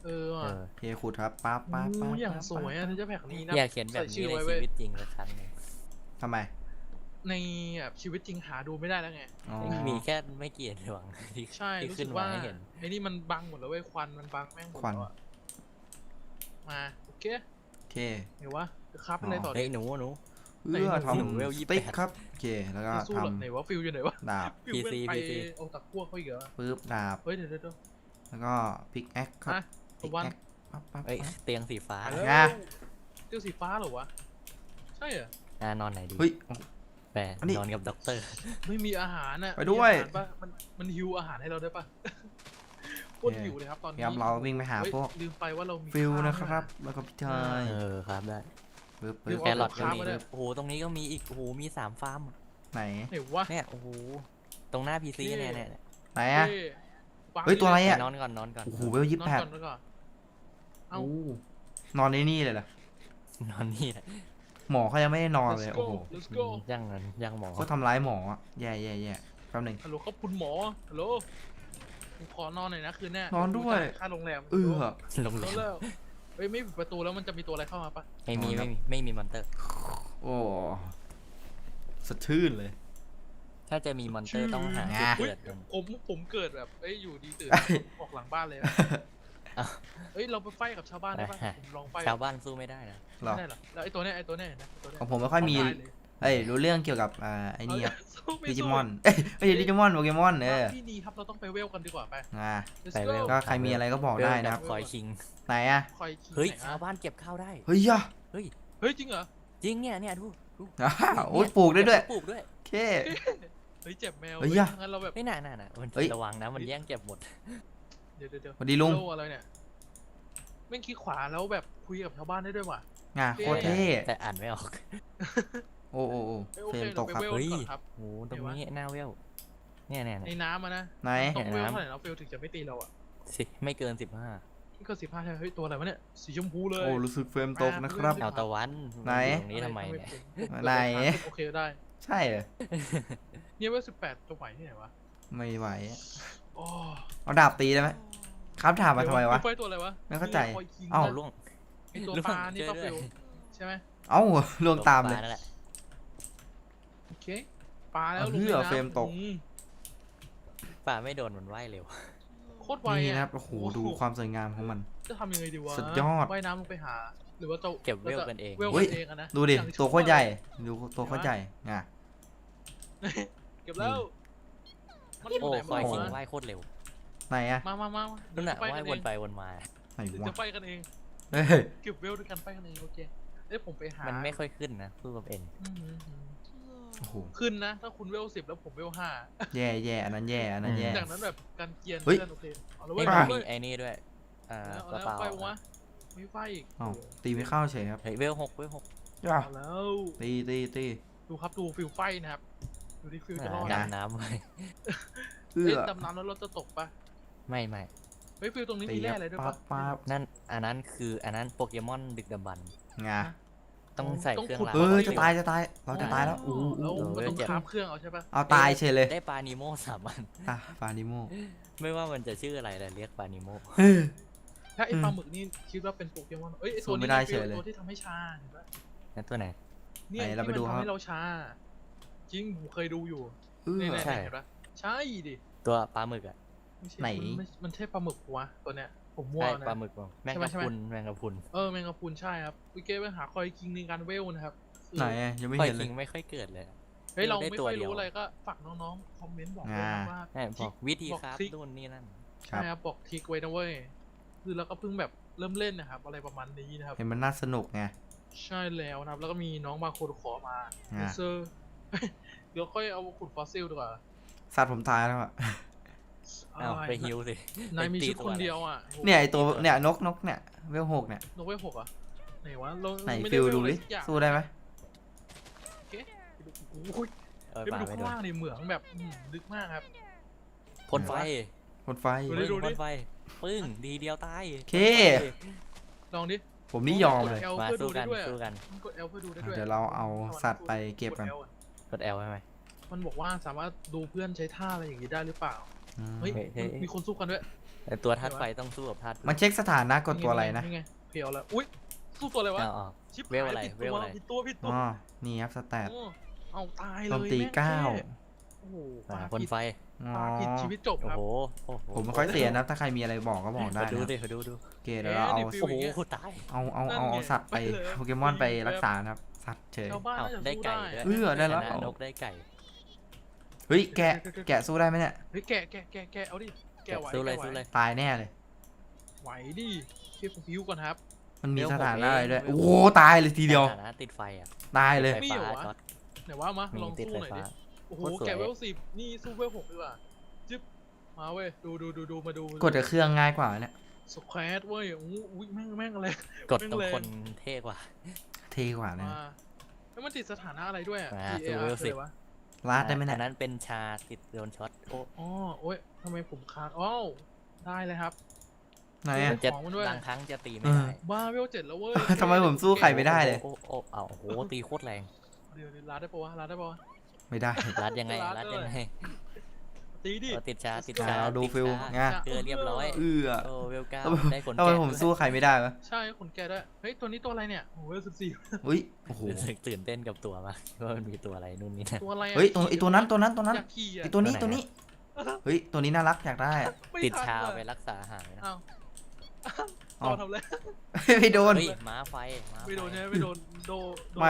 [SPEAKER 2] เอ
[SPEAKER 1] ว่ะ
[SPEAKER 2] อ
[SPEAKER 3] โอเคขุดครับปั๊บปั๊บปั๊บ
[SPEAKER 1] โอ้อย่างสวยอ่ะเธอจะแพ็กนี้นะ
[SPEAKER 2] อยากเขียนแบบ
[SPEAKER 1] ใส่ชื่
[SPEAKER 2] นี้
[SPEAKER 1] อ
[SPEAKER 2] ใน
[SPEAKER 1] ไว้
[SPEAKER 2] ชี
[SPEAKER 1] เว้ย
[SPEAKER 2] วิตจริงสักครั้งหนึ่ง
[SPEAKER 3] ทำไม
[SPEAKER 1] ในแบบชีวิตจริงหาดูไม่ได้แล้วไง
[SPEAKER 3] อ๋อ
[SPEAKER 2] มีแค่ไม่กี่ดวงที่
[SPEAKER 1] ใช่
[SPEAKER 2] ที่
[SPEAKER 1] รู้
[SPEAKER 2] ขึ้
[SPEAKER 1] สึ
[SPEAKER 2] น
[SPEAKER 1] ก
[SPEAKER 2] มา
[SPEAKER 1] ว่า
[SPEAKER 2] ให้เห็น
[SPEAKER 1] ไอ้นี่มันบังหมดแล้วเว้ยควันมันบังแม่งหมดแล้วอะมาโอเค
[SPEAKER 3] โอเค
[SPEAKER 1] เดี๋ยววะจะครับเป็นอะไรต่อ
[SPEAKER 2] เฮ้
[SPEAKER 1] ดิ
[SPEAKER 2] ยหนู
[SPEAKER 3] เพื่อ
[SPEAKER 2] หนูเวล
[SPEAKER 3] ทำ
[SPEAKER 2] 28
[SPEAKER 3] สติ๊กครับโอเคแล้วก็
[SPEAKER 1] จะสู้
[SPEAKER 3] ท
[SPEAKER 1] เหรอไหนวะฟิลอยู่ไหนวะ
[SPEAKER 3] ำดาบ
[SPEAKER 1] ฟิลแม่ง
[SPEAKER 2] PC
[SPEAKER 1] ไป
[SPEAKER 2] PC
[SPEAKER 1] เอาตะกั่วเขาอีกเหรอ
[SPEAKER 3] ปึ๊บดาบ
[SPEAKER 1] เฮ้ยเดี๋ยว
[SPEAKER 3] แล้วก็พิกแอคครับ
[SPEAKER 1] ฮะ
[SPEAKER 3] พิก
[SPEAKER 1] วัน
[SPEAKER 3] แอคปั๊บปั๊บ
[SPEAKER 2] เอ้ย
[SPEAKER 3] ปั๊บ
[SPEAKER 2] เตียงสีฟ้า
[SPEAKER 1] ไป
[SPEAKER 3] ไง
[SPEAKER 1] แล้วเตี้ยวสีฟ้าเหรอวะใช่เหรอ
[SPEAKER 2] นอนไหนดี
[SPEAKER 3] เฮ้ย
[SPEAKER 2] แต่
[SPEAKER 3] อันนี้
[SPEAKER 2] นอนกับด็อกเตอร์
[SPEAKER 1] ไม่มีอาหารน่ะ
[SPEAKER 3] ไปด้วย
[SPEAKER 1] มีอาหารปะมันหิวอาหารให้เราได้ปะโคตรหิวเลยครับตอนนี้
[SPEAKER 3] ครับเราวิ่งไปหา
[SPEAKER 1] เฮ้ย
[SPEAKER 3] พวก
[SPEAKER 1] ลืมไปว่าเรามี
[SPEAKER 3] ฟิล
[SPEAKER 1] ข้าว
[SPEAKER 3] นะครับ
[SPEAKER 1] ด้วย
[SPEAKER 3] แล้วก็พี่ชาย
[SPEAKER 2] เออครับได้
[SPEAKER 3] ปึ๊บ
[SPEAKER 1] เดี๋
[SPEAKER 3] ปึ๊
[SPEAKER 1] ยว
[SPEAKER 3] บ
[SPEAKER 2] แครอทก็
[SPEAKER 1] เอา
[SPEAKER 2] มี
[SPEAKER 1] ข้าวมาด้วย
[SPEAKER 2] โอ้โหตรงนี้ก็มีอีกโอ้โหมี3ฟาร์ม
[SPEAKER 3] ไหน
[SPEAKER 1] ไหนวะ
[SPEAKER 2] เนี่ยโอ้โหตรงหน้าพีซี
[SPEAKER 1] เท่
[SPEAKER 2] เนี่ย
[SPEAKER 3] ไหนอะ
[SPEAKER 1] เฮ้ย
[SPEAKER 3] เฮ้ยตัวอะไร
[SPEAKER 2] ไป
[SPEAKER 3] อะ
[SPEAKER 2] นอนก่อนนอนก่อน
[SPEAKER 3] โอ้โหเวล
[SPEAKER 1] น
[SPEAKER 3] ยี่
[SPEAKER 1] อ
[SPEAKER 3] สิ
[SPEAKER 1] น
[SPEAKER 3] บแปด
[SPEAKER 1] ก่อนนอนก่อนเอ้า
[SPEAKER 3] โอ้นอนในนี่เลยเหรอน
[SPEAKER 2] อนนี่แหละ
[SPEAKER 3] หมอเขายังไม่ได้นอนเลย
[SPEAKER 1] Let's
[SPEAKER 3] โอ้
[SPEAKER 1] go
[SPEAKER 3] โห
[SPEAKER 1] let's go
[SPEAKER 2] ย่างนั้นย่างหมอ
[SPEAKER 3] เขาทำร้ายหมออะแย่แย่แย่แป๊บหนึง
[SPEAKER 1] ฮัลโหลครับคุณหมอฮัลโหลผมขอนอนหน่อยนะคืนเนี้ย
[SPEAKER 3] นอนด้วย
[SPEAKER 1] จ่าค่าโรงแรม
[SPEAKER 3] เออ
[SPEAKER 2] ลง
[SPEAKER 1] นอนแล้วเฮ้ยไม่ปิดประตูแล้วมันจะมีตัวอะไรเข้ามาปะ
[SPEAKER 2] ไม่มีมอนเตอร์
[SPEAKER 3] โอ้สดชื่นเลย
[SPEAKER 2] ถ้าจะมีมอนเตอร์ต้องหา
[SPEAKER 3] ไง
[SPEAKER 2] จุดเกิดก่อน
[SPEAKER 1] ผมเกิดแบบเอ้ยอยู่ดีตื่น
[SPEAKER 3] เอ้ย
[SPEAKER 1] ออกหลังบ้านเลยนะ
[SPEAKER 2] อ้าว
[SPEAKER 1] เฮ้ยเราไปไฟกับชาวบ้านได้ปะผมลองไฟ
[SPEAKER 2] ชาวบ้านสู้ไม่ได้นะ
[SPEAKER 3] เหรอ
[SPEAKER 1] ไม่ได้เหรอแล้วไอ้ตัวเนี้ยเห็นนะไอ้ตัวเนี้ย
[SPEAKER 3] ของผมไม่ค่อยมี
[SPEAKER 1] เาด้เลย
[SPEAKER 3] เอ้ยรู้เรื่องเกี่ยวกับไอ้นี่ครับ
[SPEAKER 1] สู้ไ
[SPEAKER 3] ดิจิมอนเอ้ยไม่ใช่ดิจิมอนโปเกมอน
[SPEAKER 1] พี่นีครับเราต้องไปเวลกันดีกว่าไป Let's
[SPEAKER 2] ไป
[SPEAKER 1] go
[SPEAKER 2] เวล
[SPEAKER 3] ก็ใครมีอะไรก็บอกได้นะครับ
[SPEAKER 2] คอยคิง
[SPEAKER 3] ไหนอะ
[SPEAKER 1] คอยคิง
[SPEAKER 2] เฮ้ย
[SPEAKER 1] ไหน
[SPEAKER 2] ชาว
[SPEAKER 1] อะ
[SPEAKER 2] บ้านเก็บข้าวได้
[SPEAKER 3] เฮ้ยอะ
[SPEAKER 2] เฮ้ย
[SPEAKER 1] เฮ้ยจริงเหรอ
[SPEAKER 2] จริงเนี่ยดู
[SPEAKER 3] อ้าวโอ้ยปลูกได้ด้วย
[SPEAKER 2] ปลูกด้วย
[SPEAKER 3] โอเค
[SPEAKER 1] เฮ้ยเจ็บแมว
[SPEAKER 3] เฮ้ย
[SPEAKER 1] เฮ้ย
[SPEAKER 3] อะ
[SPEAKER 1] งั้นเราแบบ
[SPEAKER 2] ไม่น่ามัน
[SPEAKER 3] เฮ้ย
[SPEAKER 2] ระวังนะมันแย่งเก็บหมด
[SPEAKER 1] เดี๋ยว
[SPEAKER 3] สวัสดีลุง
[SPEAKER 1] โอะไรเนี่ยแม่งคลิกขวาแล้วแบบคุยกับชาวบ้านได้ด้วยว่ะ
[SPEAKER 3] งาโคตรเท่
[SPEAKER 2] แต่อ่านไม่ออก
[SPEAKER 3] โอ้โอ้โอ้
[SPEAKER 1] เฮ้ยโอ
[SPEAKER 3] เฟร
[SPEAKER 1] เค
[SPEAKER 3] มต
[SPEAKER 1] เรา
[SPEAKER 3] ก
[SPEAKER 1] ไป
[SPEAKER 3] ครับ
[SPEAKER 1] เวล
[SPEAKER 2] เฮ้ย
[SPEAKER 1] ก่อนครับ
[SPEAKER 2] โหตรงนี้หน้าเวลเนี่ย
[SPEAKER 1] ในน้ำอะนะ
[SPEAKER 3] ไหน
[SPEAKER 1] ต้องเวล
[SPEAKER 2] น้ำ
[SPEAKER 1] เท่าไหร่เราเฟลถึงจะไม่ตีเราอ่ะ
[SPEAKER 2] สิไม่เกิน
[SPEAKER 1] นี่ก็15ใช่ไหมเฮ้ยตัวอะไรวะเนี่ยสีชมพูเลย
[SPEAKER 3] โอ้รู้สึกเฟรมตกนะครับ
[SPEAKER 2] 15เอาตะวัน
[SPEAKER 3] ไหน
[SPEAKER 2] ตรงนี้ทำไมเนี่ย
[SPEAKER 3] ไหน
[SPEAKER 1] โอเคได้
[SPEAKER 3] ใช่เหรอ
[SPEAKER 1] เนี่ยเวล18ตัวใหม่ที่ไหนวะ
[SPEAKER 3] ไม่ไหวอะ
[SPEAKER 1] โอ้
[SPEAKER 3] เอาดาบตีได้ไหมครับถามมาทำไมวะ
[SPEAKER 1] ไฟตัวอะไรวะ
[SPEAKER 3] ไม่เข้าใจ
[SPEAKER 1] นี่ไงคอยคิง
[SPEAKER 3] เอ้า
[SPEAKER 1] นะ
[SPEAKER 2] ล่วง
[SPEAKER 1] ไอตัว
[SPEAKER 2] ล่วง
[SPEAKER 1] ปลานี่
[SPEAKER 2] เจอ
[SPEAKER 1] ก็
[SPEAKER 2] ด้
[SPEAKER 1] เฟ
[SPEAKER 2] วย
[SPEAKER 1] ลใช่ไหม
[SPEAKER 3] เอ้าลวงตามเลย
[SPEAKER 2] นั่นแหละ
[SPEAKER 1] โอเคปลาแล้ว
[SPEAKER 3] เอา
[SPEAKER 1] ลง
[SPEAKER 3] เหี้ย
[SPEAKER 1] ในน้ำ
[SPEAKER 3] เฟรมตก
[SPEAKER 2] ป่าไม่โดนมันว่ายเร็ว
[SPEAKER 1] โคตรไว
[SPEAKER 3] นี่
[SPEAKER 1] อ่ะ
[SPEAKER 3] นะครับโอ้โหดูความสวยงามของมัน
[SPEAKER 1] จะทำยังไงดีวะ
[SPEAKER 3] สุดยอด
[SPEAKER 1] ว่ายน้ำลงไปหา หรือว่าจะ
[SPEAKER 2] เก็บเวลกันเอง
[SPEAKER 1] เวล
[SPEAKER 3] เฮ้ย
[SPEAKER 1] กันเองอะนะ
[SPEAKER 3] ดูดิ
[SPEAKER 1] อย่าง
[SPEAKER 3] ตัวโคตรใหญ่ดูตัวโคตรใหญ่งะ
[SPEAKER 1] เก็บแล้วมัน
[SPEAKER 2] โอ้
[SPEAKER 1] ไหน
[SPEAKER 2] คอย
[SPEAKER 1] มา
[SPEAKER 2] คิง
[SPEAKER 1] วะ
[SPEAKER 2] ว่ายโคตรเร็ว
[SPEAKER 3] ไหนอะ
[SPEAKER 1] มา
[SPEAKER 2] นั่นแหละ
[SPEAKER 1] ไป
[SPEAKER 2] ว่า
[SPEAKER 1] กั
[SPEAKER 2] ย
[SPEAKER 1] น
[SPEAKER 2] ว
[SPEAKER 1] เอน ง
[SPEAKER 2] ไปวนมา
[SPEAKER 3] ไหน
[SPEAKER 1] เดี๋ยว
[SPEAKER 3] วะ
[SPEAKER 1] จะไปกันเอง
[SPEAKER 3] เฮ้ย
[SPEAKER 1] เก็บเวลด้วยกันไปกันเองโอเคเอ้ยผมไปหา
[SPEAKER 2] มั
[SPEAKER 1] มัน
[SPEAKER 2] ไม่ค่อยขึ้นนะสู้กับเอ็น
[SPEAKER 3] โอ้โห
[SPEAKER 1] ขึ้นนะ ถ้าคุณเวล10แล้วผมเวล5
[SPEAKER 3] แย่แย่อันนั้นแย่อันนั้นแย่
[SPEAKER 1] จากนั้นแบบการเกียน
[SPEAKER 3] เฮ้ย
[SPEAKER 1] เพื่อนโอเคเอาแล้ว
[SPEAKER 2] เฮ้
[SPEAKER 1] เว้
[SPEAKER 2] ย
[SPEAKER 1] ย
[SPEAKER 2] มัน
[SPEAKER 1] เอา
[SPEAKER 2] มี
[SPEAKER 1] แล้ว
[SPEAKER 2] ไอ้นี่ด้วยกระ
[SPEAKER 1] เอา
[SPEAKER 2] เป๋า
[SPEAKER 1] ไฟวะไม่ไฟอีก
[SPEAKER 3] เอ้าตีไม่เข้าเฉยครับ
[SPEAKER 2] เฮ้ยเวล6เวล6
[SPEAKER 3] ย่า
[SPEAKER 1] เอาแล้ว
[SPEAKER 3] ตี
[SPEAKER 1] ดูครับดูฟิลไฟนะครับดูที่ฟิลจะรอด
[SPEAKER 3] นะ
[SPEAKER 2] ดำน้ำเลย
[SPEAKER 3] เอื้
[SPEAKER 1] เอ้ย
[SPEAKER 3] อ
[SPEAKER 1] ดำน้ำแล้วเราจะตกปะ
[SPEAKER 2] ไม่
[SPEAKER 1] เฮ้ยฟิลตรงนี้
[SPEAKER 3] ตี
[SPEAKER 1] มี
[SPEAKER 3] ค
[SPEAKER 1] แร่
[SPEAKER 3] รับ
[SPEAKER 1] อะไรด้วย
[SPEAKER 3] ปั๊
[SPEAKER 1] ปะ
[SPEAKER 3] บปั๊บ
[SPEAKER 2] นั่นอันนั้นโปเกมอนดึกดำบรรพ์
[SPEAKER 3] งา
[SPEAKER 2] ต้องใส่เครื่อง
[SPEAKER 1] ขุด
[SPEAKER 2] ราง
[SPEAKER 3] เอ้ยจะตายเราจะตายแล้วอู้
[SPEAKER 1] แล้ว
[SPEAKER 3] อู้
[SPEAKER 1] มันต้องคราฟเครื่องเอาใช่ปะ
[SPEAKER 3] เอาตายเฉยเลย
[SPEAKER 2] ได้ปลานิโม3 อัน
[SPEAKER 3] อ่ะฟานิโม
[SPEAKER 2] ไม่ว่ามันจะชื่ออะไรแต่เรียกปลานิโม
[SPEAKER 3] เฮ้ย
[SPEAKER 1] ถ้าไอ้ปลาหมึกนี่คิดว่าเป็นโปเกมอนเอ้ยไอ้
[SPEAKER 3] สู้
[SPEAKER 1] ตัว
[SPEAKER 3] ไม่
[SPEAKER 1] นี้
[SPEAKER 3] ได้
[SPEAKER 1] ฟิล
[SPEAKER 3] เฉยเลย
[SPEAKER 1] ตัวที่ทำให้ชาเห็นปะ
[SPEAKER 2] นั่นตัวไหน
[SPEAKER 1] เนี่ย
[SPEAKER 3] ไหนเราไป
[SPEAKER 1] ที่
[SPEAKER 3] ดู
[SPEAKER 1] มัน
[SPEAKER 3] ครับ
[SPEAKER 1] ทำให้เราชาจริงผมเคยดูอยู่
[SPEAKER 3] เอื้อ
[SPEAKER 1] เนี่ย
[SPEAKER 2] ใช่
[SPEAKER 1] เห็นปะใช่ดิ
[SPEAKER 2] ตัวปลาหมึกอ่ะ
[SPEAKER 1] ไม่ใช่
[SPEAKER 3] ไหน
[SPEAKER 1] มันใช่ปลาหมึกวะตัวเนี้ยผมมั่ว
[SPEAKER 2] ใช่
[SPEAKER 1] นะ
[SPEAKER 2] ปลาหมึกมั้งแมง
[SPEAKER 1] ใช่ไหม
[SPEAKER 2] กะ
[SPEAKER 1] ใช่ไหม
[SPEAKER 2] พรุนแมงกะพรุน
[SPEAKER 1] แมงกะพรุนใช่ครับวิเกตไปหาคอยคิงในการเวลนะครับคือ
[SPEAKER 3] ไหนอะยังไม่
[SPEAKER 2] คอย
[SPEAKER 3] เห็นเล
[SPEAKER 2] คิ
[SPEAKER 3] ย
[SPEAKER 2] งไม่ค่อยเกิดเลยอะ
[SPEAKER 1] เฮ้ยเรา
[SPEAKER 2] ได้
[SPEAKER 1] ไม่
[SPEAKER 2] ตัว
[SPEAKER 1] ค่อย
[SPEAKER 2] เดียว
[SPEAKER 1] รู้อะไรก็ฝากน้องๆคอมเมนต์บอกด้วยนะว่า
[SPEAKER 2] ใช่บอกวิธี
[SPEAKER 1] บอก
[SPEAKER 2] ครับ
[SPEAKER 1] ทริค
[SPEAKER 2] นู่นนี่นั่น
[SPEAKER 3] ครั
[SPEAKER 1] ใช่
[SPEAKER 3] บ
[SPEAKER 1] ครับบอกทริกไว้นะเว้ยคือเราก็เพิ่งแบบเริ่มเล่นนะครับอะไรประมาณนี้นะครับ
[SPEAKER 3] เห็นมันน่าสนุกไง
[SPEAKER 1] ใช่แล้วนะครับ แล้วก็มีน้องมาคนขอมา
[SPEAKER 3] อ่า
[SPEAKER 1] เซอร์ เดี๋ยวค่อยเอาขุดฟอสซิลดีกว่า
[SPEAKER 3] สัตว์ผมตายแล้วอะ
[SPEAKER 2] อ้าวไปฮิวสิ
[SPEAKER 1] นายมี
[SPEAKER 2] ไปตี
[SPEAKER 1] ชุด
[SPEAKER 2] ตั
[SPEAKER 1] คน
[SPEAKER 2] อะไร
[SPEAKER 1] เดียวอ่ะโห
[SPEAKER 3] เนี่ยไอตัวเนี่ยนกเนี่ยเวลหกเนี่ย
[SPEAKER 1] นกเวท6อ่ะไหนวะเรา
[SPEAKER 3] ไหน
[SPEAKER 1] ไม่
[SPEAKER 3] ฟิล
[SPEAKER 1] ไเว
[SPEAKER 3] ดู
[SPEAKER 1] อะไร
[SPEAKER 3] ดิ
[SPEAKER 1] สักอย่าง
[SPEAKER 3] สู้ได้ไหม
[SPEAKER 1] โอเคโอ้ย
[SPEAKER 2] เออ
[SPEAKER 1] เดี๋ยว
[SPEAKER 2] ป
[SPEAKER 1] ไป
[SPEAKER 2] ลา
[SPEAKER 1] ดู
[SPEAKER 2] ไม่
[SPEAKER 1] ข้าง
[SPEAKER 2] โดน
[SPEAKER 1] ล่างในเหมืองแบบลึกมากครับ
[SPEAKER 2] พ่นไฟ
[SPEAKER 3] คนไฟ
[SPEAKER 1] ดูดิ
[SPEAKER 2] ปึ้งพ่นไฟปึ้งดีเดียวตาย
[SPEAKER 3] โอเค
[SPEAKER 1] ลองดิ
[SPEAKER 3] ผมนี่ยอมเลย
[SPEAKER 1] กด L
[SPEAKER 2] มา
[SPEAKER 1] เพื่อ
[SPEAKER 2] สู้
[SPEAKER 1] ดู
[SPEAKER 2] กั
[SPEAKER 1] ได้
[SPEAKER 2] น
[SPEAKER 1] ด้วยอะ
[SPEAKER 2] สู้กัน
[SPEAKER 1] มันกด L เพื่อดูได้ด้วย
[SPEAKER 3] เดี๋ยวเราเอาสัตว์ไปเก็บกัน
[SPEAKER 1] ด L อะ
[SPEAKER 2] กด L ใช่ไหม
[SPEAKER 1] มันบอกว่าสามารถดูเพื่อนใช้ท่าอะไรอย่างนี้ได้หรือเปล่า
[SPEAKER 3] อืม
[SPEAKER 1] เฮ้ย
[SPEAKER 2] เฮ้ย
[SPEAKER 1] มีคนสู้กันด้วย
[SPEAKER 2] แต่ตัวธาตุไฟต้องสู้กับธาตุพืช
[SPEAKER 3] มันเช็คสถานะกดตัวอะไรนะ
[SPEAKER 1] นี่ไงเพียวแล้วอุ้ยสู้ตัวอะไรวะ
[SPEAKER 2] เอา
[SPEAKER 1] ชิบ
[SPEAKER 2] เวลอะไร
[SPEAKER 1] ผิด
[SPEAKER 2] เวล
[SPEAKER 1] ตัว
[SPEAKER 2] อะไร
[SPEAKER 1] ผิดตัวผิดตัว
[SPEAKER 3] อ๋อนี่ครับสแตท
[SPEAKER 1] โอ้เอาตายเลย
[SPEAKER 3] โจมตี
[SPEAKER 1] แม่ง
[SPEAKER 3] เก้า
[SPEAKER 1] แค่โอ้โห
[SPEAKER 2] พ่นไฟ
[SPEAKER 3] อ๋อ
[SPEAKER 1] ปาผิดชีวิตจบ
[SPEAKER 2] โอ้
[SPEAKER 1] ครับ
[SPEAKER 2] โหโอ้โห
[SPEAKER 3] ผมไม่ค่อยเสียนะถ้าใครมีอะไรบอกก็บอกได้
[SPEAKER 2] มาดู
[SPEAKER 3] นะ
[SPEAKER 2] ดิมาดูดู
[SPEAKER 3] โอเคเดี๋ยวเราเอา
[SPEAKER 1] ฟิว
[SPEAKER 2] โอ้โห
[SPEAKER 1] ย่างเงี้ย
[SPEAKER 2] ตาย
[SPEAKER 3] เอาสัตว์ไปโปเกมอนไปรักษานะครับสัตว์เฉย
[SPEAKER 1] ชาวบ้าน
[SPEAKER 2] เอ้า
[SPEAKER 1] น่าจะ
[SPEAKER 2] ได้
[SPEAKER 1] สู้
[SPEAKER 2] ไก่
[SPEAKER 1] ได้
[SPEAKER 2] ด้วย
[SPEAKER 3] ได้แล้ว
[SPEAKER 2] ชนะนกได้ไก่
[SPEAKER 3] เฮ้ยแกะสู้ได้ไหมเนี่ย
[SPEAKER 1] เฮ้ยแกะเอาดิแกะไหว
[SPEAKER 2] สู้เลย
[SPEAKER 1] แกะไหว
[SPEAKER 2] สู้เลย
[SPEAKER 3] ตายแน่เลย
[SPEAKER 1] ไหวดิเทียบกับพิวก่อนครับ
[SPEAKER 3] มันมี
[SPEAKER 2] เดี๋ยว
[SPEAKER 3] สถานะ
[SPEAKER 2] ผมเอง
[SPEAKER 3] อะไรด้วยโอ้โหตายเลยทีเดียว
[SPEAKER 2] สถานะติดไฟอ่ะ
[SPEAKER 3] ตายเลย
[SPEAKER 2] ไฟ
[SPEAKER 1] มี
[SPEAKER 2] ฟ้า
[SPEAKER 1] เหรอวะ
[SPEAKER 2] ช็อต
[SPEAKER 1] ไหนว่ามา
[SPEAKER 2] มี
[SPEAKER 1] ลอง
[SPEAKER 2] ติด
[SPEAKER 1] สู้
[SPEAKER 2] ไฟ
[SPEAKER 1] หน่อย
[SPEAKER 2] ฟ้า
[SPEAKER 1] ดิโอ้โห
[SPEAKER 2] โคตรสวย
[SPEAKER 1] แกะเวล10นี่สู้เวล6ดีกว่าจึ๊บมาเว้ยดูมาดู
[SPEAKER 3] กดกับเครื่องง่ายกว่าเนี่ย
[SPEAKER 1] สแควตเว้ยอุ้ยแม่งอะไร
[SPEAKER 2] กดตรงคนเท่กว่า
[SPEAKER 3] เท่กว่าเนี่ย
[SPEAKER 1] มาแล้วมันติดสถานะอะไรด้วยอ่ะ
[SPEAKER 2] อ่า
[SPEAKER 1] TAR
[SPEAKER 2] สู้เวล
[SPEAKER 1] คืออะไรวะ
[SPEAKER 3] ลาดได้ไหม
[SPEAKER 2] อั
[SPEAKER 3] เนี่ย
[SPEAKER 2] นนั้นเป็นชาติดโดนช็อตโอ้
[SPEAKER 1] อ๋อโอ้ยทำไมผมค้างอ้าวได้เลยครับ
[SPEAKER 3] ไหนอะ
[SPEAKER 2] จะ
[SPEAKER 1] ของมันด้วย
[SPEAKER 2] บางครั้งจะตีไม่ได้
[SPEAKER 1] บ้าเวล7แล้วเว้ย
[SPEAKER 3] ทำไมผมสู้ใครไม่ได้เลย
[SPEAKER 2] โอ้โอ้เอาโอ้โหตีโคตรแรง
[SPEAKER 1] เดี๋ยวลาดได้ปะวะลาดได้ปะวะ
[SPEAKER 3] ไม่ได้
[SPEAKER 2] รัดยังไง
[SPEAKER 1] รั
[SPEAKER 2] รั
[SPEAKER 1] ด
[SPEAKER 2] ด
[SPEAKER 1] เลย
[SPEAKER 2] ยังไง
[SPEAKER 1] ตีดิ
[SPEAKER 2] เอาติดชาติด
[SPEAKER 3] อ่า
[SPEAKER 2] ชา
[SPEAKER 3] เราดู
[SPEAKER 2] ติ
[SPEAKER 3] ฟิล
[SPEAKER 2] ชา
[SPEAKER 3] ไง
[SPEAKER 2] เกลือเรียบร้อย
[SPEAKER 3] เอื้อ
[SPEAKER 2] โอ้เวลเก้า
[SPEAKER 3] ทำไม
[SPEAKER 2] ได้ขน
[SPEAKER 3] ทำไม
[SPEAKER 2] แกะ
[SPEAKER 3] ผมสู้ใครไม่ได้วะ
[SPEAKER 1] ใช่ขนแกะด้วยเฮ้ยตัวนี้ตัวอะไรเนี่ยโอ้โหเวล14
[SPEAKER 3] อุ้ยโอ้โห
[SPEAKER 2] รู้สึกตื่นเต้นกับตัวมากว่ามันมีตัวอะไรนู่นนี่นั่น
[SPEAKER 1] ตัวอะไรอะ
[SPEAKER 3] เฮ้ยไอตัวนั้น
[SPEAKER 1] อยากขี่อะ
[SPEAKER 3] ไอตัวนี้
[SPEAKER 2] ตัวไหน
[SPEAKER 3] เฮ้ยตัวนี้น่ารักอยากได้อะ
[SPEAKER 1] ไม่
[SPEAKER 2] ติด
[SPEAKER 1] ทัน
[SPEAKER 2] ชา
[SPEAKER 1] ว่ะ
[SPEAKER 2] ไปรักษาหายนะ
[SPEAKER 1] อ้าว
[SPEAKER 3] อ้าว
[SPEAKER 1] ทำเลย
[SPEAKER 3] ไม่โดน
[SPEAKER 2] เฮ้ยม้าไฟม้า
[SPEAKER 1] ไม่โดน
[SPEAKER 2] ฟ
[SPEAKER 1] ใช่ไหมไม่โดนโด
[SPEAKER 3] ไม่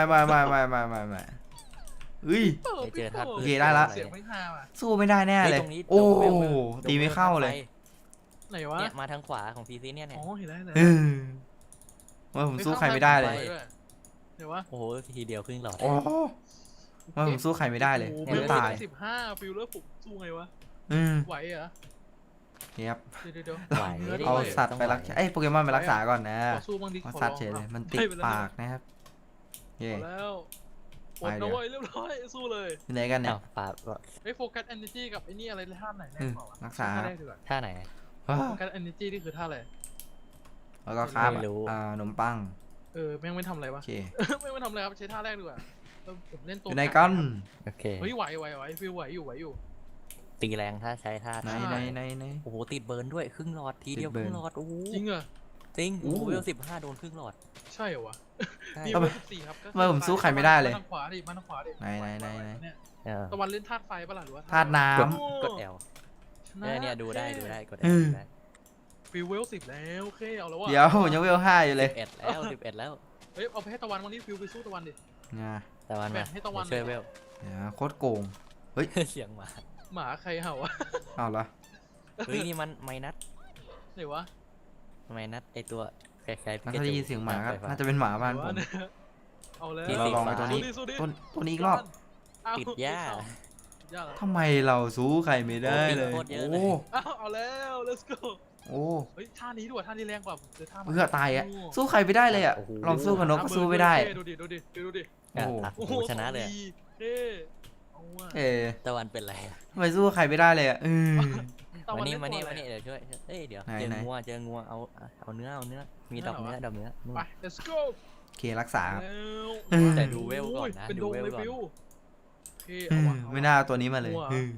[SPEAKER 3] เฮ้ย
[SPEAKER 2] ไม่เจอธาตุพืช
[SPEAKER 3] โอเคได้ละ
[SPEAKER 1] เสียงไม่ฮาว่ะ
[SPEAKER 3] สู้ไม่ได้แน่
[SPEAKER 2] เฮ้ย
[SPEAKER 3] เลย
[SPEAKER 2] ตรงนี้
[SPEAKER 3] โอ้
[SPEAKER 2] เดี๋ยวเวล
[SPEAKER 3] ตีไม่เข้าเลย
[SPEAKER 1] ไหนวะ
[SPEAKER 2] เนี่ยมาทางขวาของพีซีเนี่ยเนี่ย
[SPEAKER 1] อ๋อเห็นแล้วเห็น
[SPEAKER 3] เอ
[SPEAKER 1] แล้ว
[SPEAKER 3] อว่าผมสู้ใครไม่ได้เลย
[SPEAKER 1] เดี๋ยววะ
[SPEAKER 2] โอ้โหทีเดียวครึ่งหลอด
[SPEAKER 3] โอ้ว่าผมสู้ใครไม่ได้เลย
[SPEAKER 1] โอ้โห
[SPEAKER 3] ไม่ตาย
[SPEAKER 1] 15ฟิลเลอร์ผมสู้ไงวะ
[SPEAKER 3] อืม
[SPEAKER 1] ไหวเหรอ
[SPEAKER 3] ครับ
[SPEAKER 1] เดี๋ยว
[SPEAKER 2] ไหว
[SPEAKER 1] นื้
[SPEAKER 2] ดิ
[SPEAKER 3] เอา
[SPEAKER 1] ด้วย
[SPEAKER 3] สัตว์ไปรักษาเอ้ยโปเกมอนไปรักษาก่อนนะ
[SPEAKER 1] ขอสู้บ้างดิ
[SPEAKER 3] เอา
[SPEAKER 1] ขอ
[SPEAKER 3] สัต
[SPEAKER 1] ร้
[SPEAKER 3] ว์
[SPEAKER 1] อง
[SPEAKER 3] เฉยเลย
[SPEAKER 1] ครับ
[SPEAKER 3] มันติด
[SPEAKER 1] ให้ไปแล้ว
[SPEAKER 3] ปากนะครับเย่
[SPEAKER 1] พอแล้วหม
[SPEAKER 3] ไป
[SPEAKER 1] ด
[SPEAKER 3] เดี๋
[SPEAKER 1] นะ
[SPEAKER 3] ยว
[SPEAKER 1] เว้ยเรียบร้อยสู้เลย
[SPEAKER 3] อยู่ไหนกันเนี่ย
[SPEAKER 2] อ้าวปาก็
[SPEAKER 1] ไอ้โฟกัสเอเนจีกับไอ้นี่อะไรท่าไหนแรกกว่าวะ
[SPEAKER 3] รักษา
[SPEAKER 1] ท่าแรกดีกว่า
[SPEAKER 2] ท่าไหน
[SPEAKER 3] ว้า
[SPEAKER 1] โฟกัสเอเนจีนี่คือท่าอะไร
[SPEAKER 3] แล้วก็ข้าม
[SPEAKER 2] ไม่รู้
[SPEAKER 3] ขนมปัง
[SPEAKER 1] แม่งไม่ทำอะไร
[SPEAKER 3] โอ
[SPEAKER 1] วะ
[SPEAKER 3] เค
[SPEAKER 1] แม่งไม่ทำอะไรครับใช้ท่าแรกดีกว่าแล้วผมเล่น
[SPEAKER 3] อ
[SPEAKER 1] ตัว
[SPEAKER 3] ยู่ไหนกัน
[SPEAKER 2] โอเค
[SPEAKER 1] เฮ้ยไหวฟิลไหวอยู่
[SPEAKER 2] ตีแรงถ้าใช้ท่า
[SPEAKER 3] ไหน
[SPEAKER 2] ท่า
[SPEAKER 3] ไหน
[SPEAKER 2] โอ้โหติดเบิร์นด้วยครึ่งหลอดทีเดียว
[SPEAKER 3] ติด
[SPEAKER 2] ค
[SPEAKER 3] เบิร์น
[SPEAKER 2] รึ่งหลอดโอ้โห
[SPEAKER 1] จริงเหรอ
[SPEAKER 2] จริง
[SPEAKER 3] อู้
[SPEAKER 2] โอ้โหเวล15โดนครึ่งหลอด
[SPEAKER 1] ใช่เหรอวะ
[SPEAKER 2] ใช่
[SPEAKER 1] นี่
[SPEAKER 3] ทำไม
[SPEAKER 1] เวล14ครับก็
[SPEAKER 3] ทำไมผมสู้ใครไม่ได้เลย
[SPEAKER 1] มาทางขวาดิมาทางขวาดิ
[SPEAKER 3] ไหน
[SPEAKER 1] เนี่ย
[SPEAKER 2] เออ
[SPEAKER 1] ตะวันเล่นธาตุไฟปะล่ะหรือว่า
[SPEAKER 3] ธาตุน้
[SPEAKER 2] กด
[SPEAKER 1] ำ
[SPEAKER 2] กด L เนี่ยดูได้กด L
[SPEAKER 3] อืม
[SPEAKER 2] ดูได้
[SPEAKER 1] ฟิลเวล10แล้วโอเคเอาแล้ววะ
[SPEAKER 3] เดี๋ยวผมยังเวล5อยู่เลย
[SPEAKER 2] 11แล้ว11แล้ว
[SPEAKER 1] เฮ้ยเอาไปให้ตะวันวันนี้ฟิลไปสู้ตะวันดิ
[SPEAKER 3] นะ
[SPEAKER 2] แต่วัน
[SPEAKER 1] แบ่
[SPEAKER 2] มาง
[SPEAKER 1] ให้ตะวัน
[SPEAKER 2] เดี๋ยวช่วยเวล
[SPEAKER 3] เดี๋ยวโคตรโกง
[SPEAKER 2] เสียงหมา
[SPEAKER 1] หมาใครเห่าวะ
[SPEAKER 3] เอาละ
[SPEAKER 2] เฮ้ยนี่มันไมนัส
[SPEAKER 1] ไหนวะ
[SPEAKER 2] ไมนัสไอตัวคล้ายๆ
[SPEAKER 3] แล้วถ้าได้ยินเสียงหมาก็
[SPEAKER 2] ไฟฟ้
[SPEAKER 3] น่าจะเป็นหมาบ้าน
[SPEAKER 1] ไห
[SPEAKER 3] ผม
[SPEAKER 1] วะเนี่ยเอาแล้ว
[SPEAKER 2] ที่
[SPEAKER 3] เราลองไอ้ตัวนี้
[SPEAKER 1] สู้ดิ
[SPEAKER 3] ตัวนี้อีกรอบ
[SPEAKER 1] เอ้
[SPEAKER 2] ติดหญ้า
[SPEAKER 1] ติดหญ้าเหรอ
[SPEAKER 3] ทำไมเราสู้ใครไม่ได้เลย
[SPEAKER 2] โคตรเยอะเลย
[SPEAKER 3] โอ้
[SPEAKER 1] อ้าวเอาแล้ว let's go
[SPEAKER 3] โอ้
[SPEAKER 1] เฮ้ยท่านี้ดีกว่าท่านี้แรงกว่าผมเจอท่า
[SPEAKER 3] เพื่อตายอ่ะสู้ใครไม่ได้เลยอ่ะ
[SPEAKER 2] โอ้โห
[SPEAKER 3] ลองสู้กับนกก็สู้ไม่ได้
[SPEAKER 1] ดูดิดูดิ
[SPEAKER 3] โอ้โห
[SPEAKER 2] โอ้โหชนะเลยอะ
[SPEAKER 1] เท่เอาว่ะ
[SPEAKER 3] เออ
[SPEAKER 2] ตะวันเป็นไรอะ
[SPEAKER 3] ทำไมสู้ใครไม่ได้เลยอ่ะ
[SPEAKER 1] ตะ
[SPEAKER 2] มานี่
[SPEAKER 1] เล่
[SPEAKER 2] มานี่
[SPEAKER 1] ตัว
[SPEAKER 2] มา
[SPEAKER 1] อะไร
[SPEAKER 2] นี่เดี๋ยวช่วยเอ้ยเดี๋ยว
[SPEAKER 3] ไหน
[SPEAKER 2] เจอ
[SPEAKER 3] ไหน
[SPEAKER 2] งัวเอาเนื้อมีดอกเนื้อนู่น
[SPEAKER 1] ไป let's go
[SPEAKER 3] โอเครักษาครับ
[SPEAKER 1] แล้ว
[SPEAKER 3] อืม
[SPEAKER 2] แต่ดูเวลก่อนนะ
[SPEAKER 1] เป็น
[SPEAKER 2] ดู
[SPEAKER 1] ดง
[SPEAKER 2] เวล
[SPEAKER 1] เลย
[SPEAKER 2] ก่อน
[SPEAKER 1] ฟิวเท่
[SPEAKER 3] อื
[SPEAKER 1] เอา
[SPEAKER 3] ม
[SPEAKER 1] ว่ะ
[SPEAKER 3] ไม่น่าเอาตัวนี้มาเลย
[SPEAKER 1] หัว
[SPEAKER 3] อืม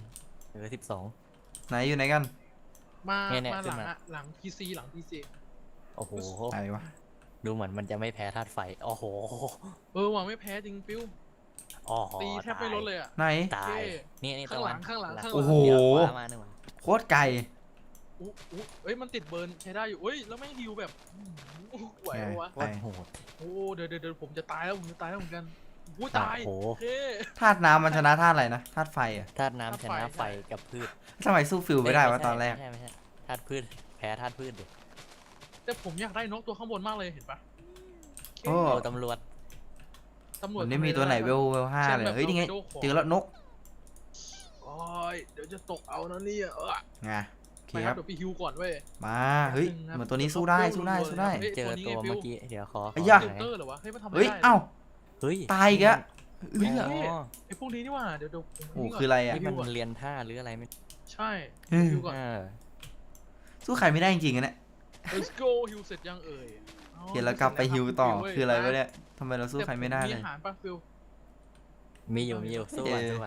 [SPEAKER 2] 12
[SPEAKER 3] ไหนอยู่ไหนกัน
[SPEAKER 1] มา
[SPEAKER 2] เนี่ย
[SPEAKER 1] มา
[SPEAKER 2] ขึ้
[SPEAKER 1] ห
[SPEAKER 2] น
[SPEAKER 1] ลัง
[SPEAKER 2] มา
[SPEAKER 1] อะหลัง PC หลัง PC
[SPEAKER 2] โอ้โห
[SPEAKER 3] อะไรวะ
[SPEAKER 2] ดูเหมือนมันจะไม่แพ้ธาตุไฟโอ้โห
[SPEAKER 1] ว่ะไม่แพ้จริงฟิว
[SPEAKER 2] อ๋อ
[SPEAKER 1] ตีแทบไม่ลดเลยอ่ะ
[SPEAKER 3] ไหน
[SPEAKER 2] ตาย
[SPEAKER 1] เท่
[SPEAKER 2] นี่
[SPEAKER 1] ข้างหลังข้างหลัง
[SPEAKER 3] โอ้โห
[SPEAKER 2] เดี๋ยวขวามาหนึ่งวัน
[SPEAKER 3] โคตรไกล
[SPEAKER 1] เอ้ยมันติดเบิร์นใช้ได้อยู่เอ้ยแล้วไม่ฮิวแบบไหวปะวะ
[SPEAKER 2] โคตรโหด
[SPEAKER 1] โอ้เดี๋ยวผมจะตายแล้วเหมือนกันโอ้ตาย
[SPEAKER 2] โอ้โห
[SPEAKER 1] เท่
[SPEAKER 3] ธาตุน้ำมันชนะธาตุอะไรนะธาตุไฟอ่ะ
[SPEAKER 2] ธาตุน้ำชนะไฟกับพืช
[SPEAKER 3] ทำไมสู้ฟิลไม่ได้วะตอนแรก
[SPEAKER 2] ไม่ใช่ธาตุพืชแพ้ธาตุพืชดิ
[SPEAKER 1] แต่ผมอยากได้นกตัวข้างบนมากเลยเห็นปะ
[SPEAKER 3] โอ้
[SPEAKER 2] โอ้ตำรวจ
[SPEAKER 1] ตำรวจ
[SPEAKER 3] มันไม่มีตัวไหนเวลห้าเลยเฮ้ยนี่ไงเจอแล้วนก
[SPEAKER 1] โอ้ยเดี๋ยวจะตกเอานะเนี่ย
[SPEAKER 3] ไงโอเค
[SPEAKER 1] ไป
[SPEAKER 3] ค
[SPEAKER 1] ครั
[SPEAKER 3] รั
[SPEAKER 1] บบ เดี๋ยวพี่ฮิวก่อนเว้ย
[SPEAKER 3] มาเฮ้ยเหมือนตัวนี้สู้ได้
[SPEAKER 2] เจอตัวเมื่อกี้เดี๋ยวขอ
[SPEAKER 3] ไอ้ยะ
[SPEAKER 1] เซนเตอร์เหรอวะเฮ้ยมันทำไม่
[SPEAKER 3] เฮ้ย
[SPEAKER 1] ได้
[SPEAKER 3] เอ้า
[SPEAKER 2] เฮ้ย
[SPEAKER 3] ตายอีกแล้ว
[SPEAKER 1] เฮ้ย
[SPEAKER 2] อ๋อ
[SPEAKER 1] ไอ้พวกนี้นี่หว่าเดี๋ยวผม
[SPEAKER 3] โอ้คืออะไรอ่ะ
[SPEAKER 2] นี่มันเรียนท่าหรืออะไรไม่
[SPEAKER 1] ใช่
[SPEAKER 3] อืม
[SPEAKER 1] ฮิวก่อน
[SPEAKER 3] สู้ใครไม่ได้จริงๆอะเนี่ย
[SPEAKER 1] let's go ฮิวเสร็จยังเอ่ย
[SPEAKER 3] โอเคแล้วกลับไปฮิวต่อคืออะไรวะเนี่ยทำไมเราสู้ใครไม่ได้เลย
[SPEAKER 1] มีอาหารปะฟิล
[SPEAKER 2] มีอยู่สู้กันสู้กัน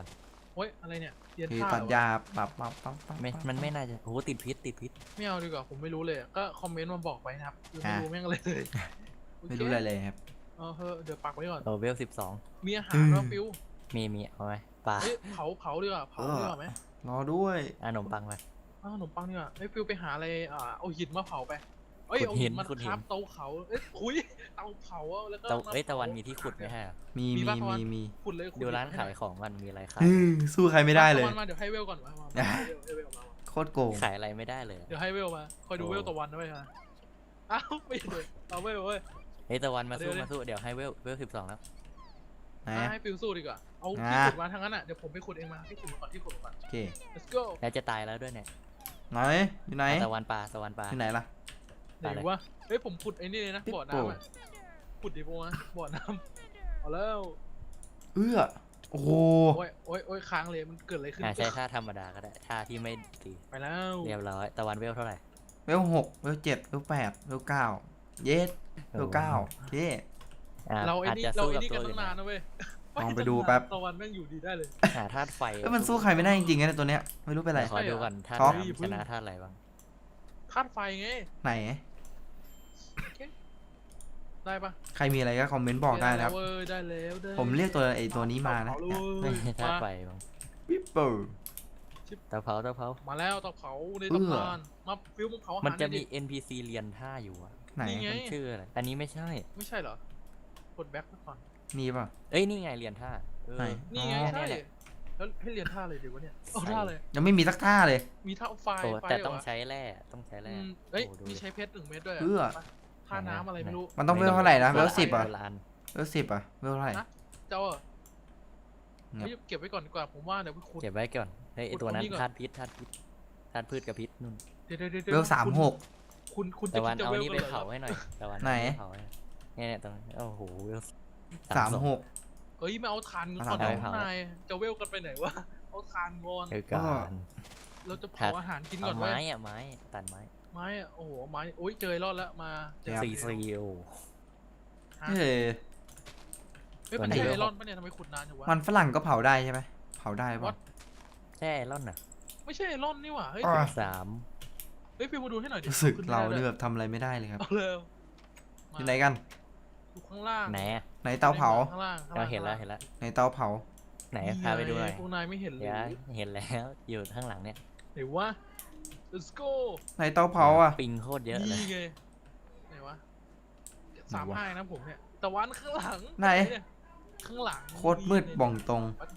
[SPEAKER 1] โอ้ยอะไรเนี่ยเรียน
[SPEAKER 3] คือ
[SPEAKER 1] ท่า
[SPEAKER 3] ตัด
[SPEAKER 1] เหรอวะ
[SPEAKER 3] ยาปับปับปับปับ
[SPEAKER 2] มันไม่น่าจะโอ้โหติดพิษติดพิษ
[SPEAKER 1] ไม่เอาดีกว่าผมไม่รู้เลยอะก็คอมเมนต์มาบอกไปนะครับคือไม่รู้แม่งอะไรเลย
[SPEAKER 3] ไม่รู้อะไรเลยครับ
[SPEAKER 1] เออเฮ้เดี๋ยวปักไว้ก่อน
[SPEAKER 2] โอเวล12
[SPEAKER 1] มีอาหารว่าฟิว
[SPEAKER 2] มีเอาไหมปลา
[SPEAKER 1] เฮ้ยเผาดีกว่าเผาดีกว่าไหม
[SPEAKER 3] รอด้วย
[SPEAKER 2] ขนมปังไป
[SPEAKER 1] อ้าวขนมปังดีกว่าเฮ้ยฟิวไปหาอะไรเอาหินมาเผาไปเอ้ย
[SPEAKER 2] ขุด
[SPEAKER 1] เอา
[SPEAKER 2] หิ
[SPEAKER 1] หิ
[SPEAKER 2] น
[SPEAKER 1] นมา
[SPEAKER 2] ขุดหิน
[SPEAKER 1] คราฟเตาเผาเอ้ยคุยเตาเผาอะแล้วก็
[SPEAKER 2] ตะวันมีที่ขุดไหมฮะ
[SPEAKER 3] มี
[SPEAKER 1] มี
[SPEAKER 3] มี
[SPEAKER 1] ปะตะวัน
[SPEAKER 3] มี
[SPEAKER 1] ขุดเลยขุด
[SPEAKER 2] ดูร้าน
[SPEAKER 1] ให้ห
[SPEAKER 2] ขาย
[SPEAKER 1] อย
[SPEAKER 2] ของมันมีอะไรขาย
[SPEAKER 3] สู้ใครไม่ได้เลย
[SPEAKER 1] ตะวันมาเดี๋ยวให้เวลก่อนมาให้เวลมา
[SPEAKER 3] โคตรโกง
[SPEAKER 2] ขายอะไรไม่ได้เลย
[SPEAKER 1] เดี๋ยวให้เวลมาคอยดูเวลตะวันด้วยนะอ้าวไม่เลยเอาเวลเว้ย
[SPEAKER 2] เฮ้ยตะวันมาสู้
[SPEAKER 1] เดี๋ยว
[SPEAKER 2] มาสู้เดี๋ยวให้เวล12แล้ว
[SPEAKER 3] ไหน
[SPEAKER 1] ให้ฟิวสู้ดีกว่าเอาที่ขุดมาทางนั้นอ่ะเดี๋ยวผมไปขุดเองมาที่ขุดมาก่อนที่ขุดมาก่อน
[SPEAKER 3] โอเค
[SPEAKER 1] let's go
[SPEAKER 2] แล้วจะตายแล้วด้วยเนี่ย
[SPEAKER 3] ไหนอยู่ไหน
[SPEAKER 2] ตะวันปลา
[SPEAKER 3] อยู่ไหนล่ะ
[SPEAKER 1] ไหนวะเฮ้ยผมขุดไอ้นี่เลยนะบ่อน้ำอ่ะขุดดิโบนะบ่อน้ำเอาแล้ว
[SPEAKER 3] เอื้อโอ้โห
[SPEAKER 1] โอ้ยค้างเลยมันเกิดอะไรขึ้น
[SPEAKER 2] ใช้ท่าธรรมดาก็ได้ท่าที่ไม่ตี
[SPEAKER 1] ไปแล้ว
[SPEAKER 2] เรียบร้อยตะวันเวลเท่าไหร่
[SPEAKER 3] เวล6เวล7เวล8เวล9เยสเวล9เย่
[SPEAKER 1] เราไอ้
[SPEAKER 2] อาจ
[SPEAKER 1] นี่
[SPEAKER 2] จะ
[SPEAKER 1] เรา
[SPEAKER 2] สู้
[SPEAKER 1] ไอ้
[SPEAKER 2] กับ
[SPEAKER 1] นี่
[SPEAKER 2] ตั
[SPEAKER 1] กั
[SPEAKER 2] วน อื่
[SPEAKER 1] ตั้
[SPEAKER 2] น
[SPEAKER 1] งนานนะเว้ย
[SPEAKER 3] ลองไปดูแป๊บ
[SPEAKER 1] ตะวันแม่งอยู่ดีได้เลย
[SPEAKER 2] หาธาตุไฟ
[SPEAKER 3] เอ้ยมันสู้ใครไม่ได้จริงๆนะตัวเนี้ยไม่รู้เป็นไร
[SPEAKER 2] ขอดูก่อนธาตุ
[SPEAKER 3] ท็อป
[SPEAKER 2] น้ำชนะธาตุอะไรบ้าง
[SPEAKER 1] คาดไฟไง
[SPEAKER 3] ไหน
[SPEAKER 1] โอเคได้ปะ
[SPEAKER 3] ใครมีอะไรก็คอมเมนต์บอกได้นะครับ
[SPEAKER 1] เว้ยได้แล้วได้
[SPEAKER 3] ผมเรียกตัวไอ้ตัวนี้มานะ
[SPEAKER 1] เผเล
[SPEAKER 2] ไม่
[SPEAKER 1] ย
[SPEAKER 2] ใช่ธาตุไฟบ้าง
[SPEAKER 3] วิปเปอร์
[SPEAKER 2] เตาเผา
[SPEAKER 1] มาแล้วเตาเผาใน
[SPEAKER 3] เอื้อ
[SPEAKER 1] ตำนานมาฟิวมึงเผาอาหาร
[SPEAKER 2] มันจะมี
[SPEAKER 1] หอยดิ
[SPEAKER 2] NPC เรียนท่าอยู่อะ
[SPEAKER 3] ไหน
[SPEAKER 1] นี่ไง
[SPEAKER 2] มันชื่ออะไรอันนี้ไม่ใช่
[SPEAKER 1] ไม่ใช่เหรอ กดแบ็คก่อน
[SPEAKER 3] มีป่ะ
[SPEAKER 2] เอ้ยนี่ไงเรียนท่าเออ
[SPEAKER 3] ไหน
[SPEAKER 1] นี่ไง
[SPEAKER 3] อ๋อ
[SPEAKER 1] ใช่
[SPEAKER 2] เนี่ย
[SPEAKER 1] แล้วให้เรียนท่าเลยเดี๋ยววะเนี่ยเอาท่าเลย
[SPEAKER 3] ยังไม่มีสักท่าเลย
[SPEAKER 1] มีท่าไฟ
[SPEAKER 2] โอ้
[SPEAKER 1] ไฟ
[SPEAKER 2] แต่
[SPEAKER 1] เหร
[SPEAKER 2] ต้อง
[SPEAKER 1] วะ
[SPEAKER 2] ใช้แร่ต้องใช้แร่
[SPEAKER 1] เอ้ย
[SPEAKER 2] โอ้ดู
[SPEAKER 1] มี
[SPEAKER 2] ดิ
[SPEAKER 1] ใช้เพชร1 เม็ดด้วย
[SPEAKER 3] เอื้อ
[SPEAKER 1] ท่าน้ำอะไรไม่รู้
[SPEAKER 3] มันต้องเวลเท่าไหร่นะเวล
[SPEAKER 2] ไม่
[SPEAKER 3] 10อ่ะ
[SPEAKER 2] โบราณ
[SPEAKER 3] เวล10อ่ะเวลเท่าไหร่
[SPEAKER 1] ฮะ เจ้าเหรอ
[SPEAKER 3] เงียบ
[SPEAKER 1] เฮ้ยเก็บไว้ก่อนดีกว่าผมว่าเดี๋ยวไปขุด
[SPEAKER 2] เก็บไว้ก่อนเฮ้ยไอ้
[SPEAKER 1] ขุด
[SPEAKER 2] ตัวนั้น
[SPEAKER 1] ตรงนี้ก่อน
[SPEAKER 2] ธาตุพิษธาตุพืชกับพิษนู่น
[SPEAKER 1] เดี๋ยว
[SPEAKER 3] เวล36
[SPEAKER 1] คุณ
[SPEAKER 2] ตะ
[SPEAKER 1] จะ
[SPEAKER 2] วัน
[SPEAKER 1] คิดจะ
[SPEAKER 2] เอา
[SPEAKER 1] เวล
[SPEAKER 2] นี่
[SPEAKER 1] กั
[SPEAKER 2] ไป
[SPEAKER 1] นเหร
[SPEAKER 2] เผา
[SPEAKER 1] อ
[SPEAKER 2] ให้หน่อยตะวัน
[SPEAKER 3] ไหน
[SPEAKER 2] เผาให้เนี่ยตรงนี้โอ้โหเวล
[SPEAKER 3] 36
[SPEAKER 1] เอ้ยไม่เอาทาน
[SPEAKER 3] เอา
[SPEAKER 1] ก่อน
[SPEAKER 3] ทาน
[SPEAKER 1] เดี๋ยวข้างในจะเวลกันไปไหนวะเอาทานก่อน
[SPEAKER 2] เออการ
[SPEAKER 1] เราจะเผาอาหารกินก่
[SPEAKER 2] เอา
[SPEAKER 1] อน
[SPEAKER 2] ไม้
[SPEAKER 1] ไว้
[SPEAKER 2] อะไม้ตัดไม้
[SPEAKER 1] ไม้อะโอ้โหไม้โอ้ยเจอรอดแล้วมาเจอ
[SPEAKER 3] ครับ
[SPEAKER 2] ซีโอ
[SPEAKER 1] ฮะ
[SPEAKER 3] เฮ้ย
[SPEAKER 1] เฮ้ย
[SPEAKER 2] วั
[SPEAKER 1] มัน น
[SPEAKER 2] นี้
[SPEAKER 1] ใช่ไอรอนปะเนี่ยทำไมขุดนานอยู่วะ
[SPEAKER 3] มันฝรั่งก็เผาได้ใช่ไหมเผาได้ป่ะ
[SPEAKER 1] What?
[SPEAKER 2] แช่ร่อนน่ะ
[SPEAKER 1] ไม่ใช่ไอรอนนี่หว่าเฮ้ย
[SPEAKER 3] อ่ะ
[SPEAKER 2] 3
[SPEAKER 1] เฮ้ยฟิวมาดูให้หน่อยดิ
[SPEAKER 3] รู้สึก
[SPEAKER 1] ขึ้น
[SPEAKER 3] เรา
[SPEAKER 1] ไม่ได้
[SPEAKER 3] เนี่ยแบบทำอะไรไม่ได้เลยครับ
[SPEAKER 1] เอาเลย
[SPEAKER 3] อยู่ไหนกัน
[SPEAKER 1] อยู่ข้างล่าง
[SPEAKER 2] ไหนอะ
[SPEAKER 3] ไหนเตาเผา
[SPEAKER 1] ข้างล่าง
[SPEAKER 2] เราเห็นแล้ว
[SPEAKER 3] ไหนเตาเผา
[SPEAKER 2] ไหนพาไปดูหน่อย
[SPEAKER 1] พวกนายไม่เห็นเลย
[SPEAKER 2] เดี๋ยวเห็นแล้วอยู่ข้างหลังเนี่ย
[SPEAKER 1] ไหนวะ let's go
[SPEAKER 3] ไหนเตาเผาอ่ะ
[SPEAKER 2] ปิงโคตรเยอะเลย
[SPEAKER 1] นี่ไงไหนวะ35นะผมเนี่ยตะวันข้างหลัง
[SPEAKER 3] ไหน
[SPEAKER 1] เนี่ยข้างหลัง
[SPEAKER 3] โคตรมืดบ่องตรง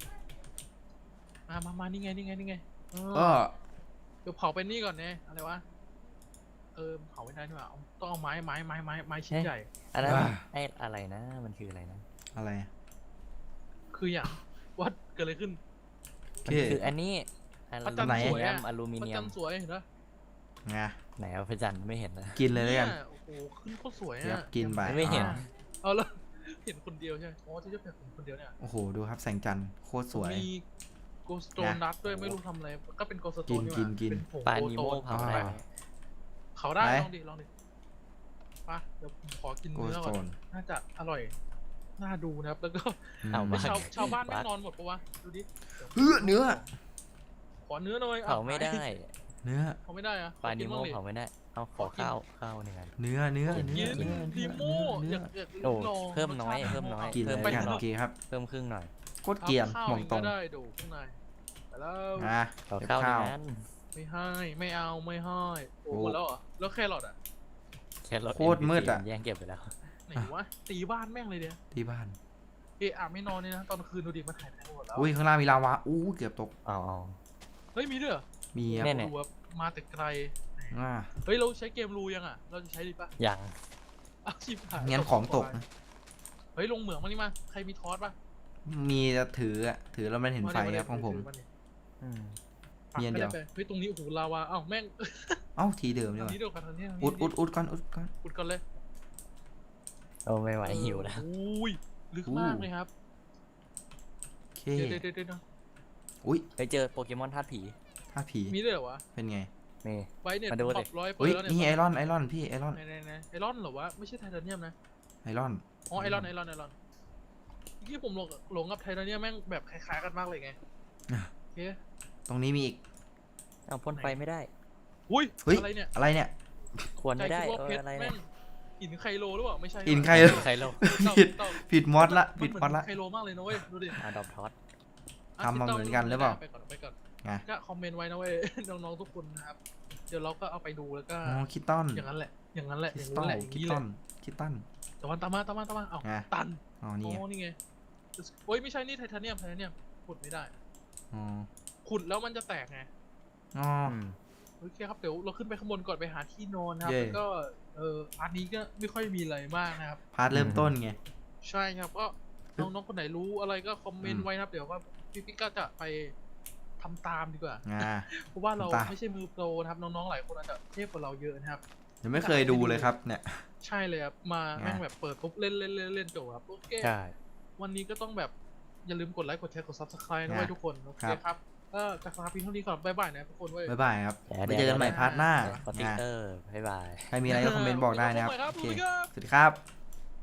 [SPEAKER 1] มานี่ไงเอ
[SPEAKER 3] เอ
[SPEAKER 1] อ
[SPEAKER 3] อ
[SPEAKER 1] เดี๋ยวเผาไปนี่ก่อนเนี่ยอะไรวะเผาไม่ได้นี่หว่าต้องเอาไม้ชิ้นใหญ่
[SPEAKER 2] อันนั้น
[SPEAKER 3] อ่า
[SPEAKER 2] ไอ้อะไรนะมันคืออะไรนะ
[SPEAKER 3] อะไร
[SPEAKER 1] คืออย่างวัดเกิดอะไรขึ้น
[SPEAKER 3] โอ
[SPEAKER 2] มั
[SPEAKER 3] เคน
[SPEAKER 2] คืออันนี้อ
[SPEAKER 1] พระ
[SPEAKER 2] ลู
[SPEAKER 1] จันทร์
[SPEAKER 2] มิ
[SPEAKER 1] สวย
[SPEAKER 2] เนีย
[SPEAKER 1] อะ
[SPEAKER 2] มอลูมิ
[SPEAKER 1] พระ
[SPEAKER 2] เนีย
[SPEAKER 1] จั
[SPEAKER 2] ม
[SPEAKER 1] นทร์สวยเห็นปะ
[SPEAKER 3] ไง
[SPEAKER 2] ไหนเอาพระจันทร์ไม่เห็นนะ
[SPEAKER 3] กินเลยแล้วกัน
[SPEAKER 1] โอ้โหขึ้นโคตรสวย
[SPEAKER 3] เดี๋ยว
[SPEAKER 1] อะ
[SPEAKER 3] กินไป
[SPEAKER 2] ไม่เห็น
[SPEAKER 1] เอาแล้วเห็นคนเดียวใช่ไหมอ๋อที่จะเป็นคนเดียวเนี่ย
[SPEAKER 3] โอ้โหดูครับแสงจันทร์โคตรสวย
[SPEAKER 1] มีโกสโตน
[SPEAKER 3] นะ
[SPEAKER 1] นัทด้วยไม่รู้ทำอะไรก็เป็นโกสโต
[SPEAKER 3] กิ
[SPEAKER 1] น
[SPEAKER 3] นกิน
[SPEAKER 1] เป็นผง
[SPEAKER 2] ปลา
[SPEAKER 1] โก
[SPEAKER 2] นิ
[SPEAKER 1] โต
[SPEAKER 2] โม
[SPEAKER 1] น
[SPEAKER 2] เผาได้ไหม
[SPEAKER 1] เขาได้
[SPEAKER 3] ไหน
[SPEAKER 1] ลองดิไปเดี๋ยวผมขอกิน
[SPEAKER 3] โก
[SPEAKER 1] เนื้
[SPEAKER 3] ส
[SPEAKER 1] อ
[SPEAKER 3] โต
[SPEAKER 1] ก่อน
[SPEAKER 3] น
[SPEAKER 1] น่าจะอร่อยน่าดูนะครับแล้วก็
[SPEAKER 2] เอา
[SPEAKER 3] อืม
[SPEAKER 2] มา
[SPEAKER 1] ชาวบ้านไม่งนอนหมดปะวะดูดิ
[SPEAKER 3] เนื้อ
[SPEAKER 1] ขอเนื้อหน่อย
[SPEAKER 2] เผาไม่ได้
[SPEAKER 3] เนื้อ
[SPEAKER 1] เขาไม่ได้อะ
[SPEAKER 2] ปลานิโม
[SPEAKER 1] ขอกินบ้งดิ
[SPEAKER 2] เผาไม่ได้เอาขอข้าวหนึ่งอัน
[SPEAKER 3] เนื้อ
[SPEAKER 1] กิน
[SPEAKER 3] เนื้อ
[SPEAKER 1] ดีโม
[SPEAKER 3] เนื้
[SPEAKER 1] อ
[SPEAKER 3] อ
[SPEAKER 1] ยาก
[SPEAKER 2] โอ้
[SPEAKER 1] ลอง
[SPEAKER 2] เพิ่มน้อย
[SPEAKER 1] รสชาติ
[SPEAKER 2] เพิ่มน้อย
[SPEAKER 3] กินเลย
[SPEAKER 2] ไป
[SPEAKER 3] กัน
[SPEAKER 2] หน่
[SPEAKER 3] โอ
[SPEAKER 2] อย
[SPEAKER 3] เคครับ
[SPEAKER 2] เพิ่มครึ่งหน่อย
[SPEAKER 3] โคตรเกรียน
[SPEAKER 1] ข้าว
[SPEAKER 3] บ่องตรง
[SPEAKER 1] ก็ได้ดูข้างในไปแล้ว
[SPEAKER 3] อ่ะ
[SPEAKER 2] ขอ
[SPEAKER 3] เก็บ
[SPEAKER 2] ข้าวห
[SPEAKER 3] ข้า
[SPEAKER 2] นึ่
[SPEAKER 3] ว
[SPEAKER 2] งอัน
[SPEAKER 1] ไม่ให้ไม่เอาไม่ให้โอ้
[SPEAKER 3] โอ้
[SPEAKER 1] หมดแล้วเหรอแล้วแครอทอ่ะ
[SPEAKER 2] แครอท
[SPEAKER 3] โคตรมืดอะ
[SPEAKER 2] แย่งเก็บไปแล้ว
[SPEAKER 1] ไหนวะตีบ้านแม่งเลยเดียว
[SPEAKER 3] ที่บ้าน
[SPEAKER 1] ไม่นอนเลยนะตอนคืนดูดิมันถ่ายไปหมดแล้ว
[SPEAKER 3] อุ้ยข้างล่างมีลาวาอู้เกือบตก
[SPEAKER 2] เอา
[SPEAKER 1] เฮ้ยมีด้วยเหรอ
[SPEAKER 3] มีครับ
[SPEAKER 2] เนี่ย
[SPEAKER 1] ดูว่ามาแต่ไกล
[SPEAKER 3] อ่า
[SPEAKER 1] เฮ้ยเราใช้เกมรูยังอ่ะเราจะใช้ดีปะ
[SPEAKER 2] อย่าง
[SPEAKER 1] อ้าวชิบหาย
[SPEAKER 3] งั้นของตกนะ
[SPEAKER 1] เฮ้ยลงเหมืองมานี่มาใครมีทอสปะ
[SPEAKER 3] มีจะถืออะถือแล้วมันเห็นไฟ
[SPEAKER 1] าดิ
[SPEAKER 3] ครับของผม
[SPEAKER 1] าดิ
[SPEAKER 2] อืม
[SPEAKER 1] ปัก
[SPEAKER 3] มีอันเดียว
[SPEAKER 1] ไปเฮ้ยตรงนี้โอ้โหลาวาอ้าวแม่ง
[SPEAKER 3] เอ้าทีเดิมดี
[SPEAKER 1] ทาก ง
[SPEAKER 3] ว่า
[SPEAKER 1] นี้เดียวกันทางนี้ทางนี้
[SPEAKER 3] อุดก่อนอุดก่อน
[SPEAKER 1] อุดก่อนเลย
[SPEAKER 2] โอ้ไม่ไหวหิวแล้ว
[SPEAKER 1] อุ้ยลึกมากเลยครับ
[SPEAKER 3] โอเค
[SPEAKER 1] เดี๋ยว
[SPEAKER 3] อุ้ย
[SPEAKER 2] ไปเจอโปเกมอนธาตุผี
[SPEAKER 3] ถ้าผี
[SPEAKER 1] มีด้วยเหรอวะ
[SPEAKER 3] เป็นไง
[SPEAKER 2] นี่
[SPEAKER 1] ไว้เนี่ย
[SPEAKER 2] มาดูดิ
[SPEAKER 1] ปรับร้อยเปอ
[SPEAKER 3] อุ้ย
[SPEAKER 1] ร์แล้ว
[SPEAKER 3] นี่
[SPEAKER 1] เนี่ย
[SPEAKER 3] ไอรอนพี่ไอรอน
[SPEAKER 1] ไหนไอรอนเหรอวะไม่ใช่ไทเทเนียมนะ
[SPEAKER 3] ไอรอน
[SPEAKER 1] อ๋อไอรอนเมื่อกี้ผมหลงกับไทเทเนียมแม่งแบบคล้ายๆกันมากเลยไงโอเค
[SPEAKER 3] ตรงนี้มีอีก
[SPEAKER 2] เอาพ่นไฟไม่ได้
[SPEAKER 1] อุ้ย
[SPEAKER 3] เฮ้ย
[SPEAKER 1] อะไรเนี่ย
[SPEAKER 3] อะไรเนี่ย
[SPEAKER 2] ควรไม่ได้
[SPEAKER 1] ใจคิว่าเพชร
[SPEAKER 2] อะไร
[SPEAKER 1] แม่
[SPEAKER 2] เนี่ย
[SPEAKER 1] งหินไคโลหรือเปล่าไม่ใช่
[SPEAKER 3] หินไค
[SPEAKER 1] โล
[SPEAKER 3] โล
[SPEAKER 2] ใครโล
[SPEAKER 3] ผิด ผิดมอดละผิดมอดละ
[SPEAKER 1] ไคโลมากเลยนะเว้ยดูดิ
[SPEAKER 2] อาดอบทอส
[SPEAKER 3] ทำมาเหมือนกันหรือเปล่า
[SPEAKER 1] ไปก่อน
[SPEAKER 3] ไง
[SPEAKER 1] ก็คอมเมนต์ไว้นะเว้ย น้องๆทุกคนนะครับเดี๋ยวเราก็เอาไปดูแล้วก็
[SPEAKER 3] อ๋อคิตตัน
[SPEAKER 1] อย่างนั้นแหละอย่างนั้นแหละ
[SPEAKER 3] คิ
[SPEAKER 1] อ
[SPEAKER 3] ส
[SPEAKER 1] ย่าง
[SPEAKER 3] ตั
[SPEAKER 1] นั้น
[SPEAKER 3] น
[SPEAKER 1] แหละอย่าง
[SPEAKER 3] คิต
[SPEAKER 1] นี้
[SPEAKER 3] ตั
[SPEAKER 1] แหละ
[SPEAKER 3] นคิตตัน
[SPEAKER 1] แต่วันตามมาเอ้า
[SPEAKER 3] ไง
[SPEAKER 1] ตัน
[SPEAKER 3] อ๋อ
[SPEAKER 1] โอ้
[SPEAKER 3] นี่ไง
[SPEAKER 1] นี่ไงโอ้ยไม่ใช่นี่ไทเทเนียมขุดไม่ได้
[SPEAKER 3] อ๋อ
[SPEAKER 1] ขุดแล้วมันจะแตกไง
[SPEAKER 3] อ๋อ
[SPEAKER 1] โอเคครับเดี๋ยวเราขึ้นไปข้างบนก่อนไปหาที่นอนนะครับ
[SPEAKER 3] เย่
[SPEAKER 1] แล้วก็อันนี้ก็ไม่ค่อยมีอะไรมากนะครับ
[SPEAKER 3] พาร์ทเริ่มต้นไง
[SPEAKER 1] ใช่ครับก็น้องๆคนไหนรู้อะไรก็คอมเมน
[SPEAKER 3] อื
[SPEAKER 1] ต์
[SPEAKER 3] ม
[SPEAKER 1] ไว้นะครับเดี๋ยวว่าพี่ก็จะไปทำตามดีกว่า
[SPEAKER 3] อ่า
[SPEAKER 1] เพราะว่าเรา
[SPEAKER 3] ทำตาม
[SPEAKER 1] ไม่ใช่มือโปรนะครับน้องๆหลายคนอาจจะเทพกว่าเราเยอะนะครับ
[SPEAKER 3] ยังไม่เคยดูเลยครับเนี่ย
[SPEAKER 1] ใช่เลยครับมา
[SPEAKER 3] ไง
[SPEAKER 1] แม่งแบบเปิดปุ๊บเล่นจบครับโอเค
[SPEAKER 2] ใช่
[SPEAKER 1] วันนี้ก็ต้องแบบอย่าลืมกดไลค์กดแชร์กด subscribe นะเว้ยทุกคนโอเค
[SPEAKER 3] ครับ
[SPEAKER 1] ครับก็จะลาเพียงเท่านี้ก่อนบ๊ายบายนะทุกคนเว้ย
[SPEAKER 3] บ๊ายบายครับ
[SPEAKER 2] แย่
[SPEAKER 3] ไปเจอกันใหม่พาร์ทหน้า
[SPEAKER 2] สติ๊ก
[SPEAKER 3] นะ
[SPEAKER 2] เกอร์บ๊ายบาย
[SPEAKER 3] ใครมีอะไรก็คอมเมนต์บอกได้นะครับ
[SPEAKER 1] บ๊ายบายครับ
[SPEAKER 3] โอเค
[SPEAKER 1] สวัสดีครับ
[SPEAKER 3] สวัสดีครับ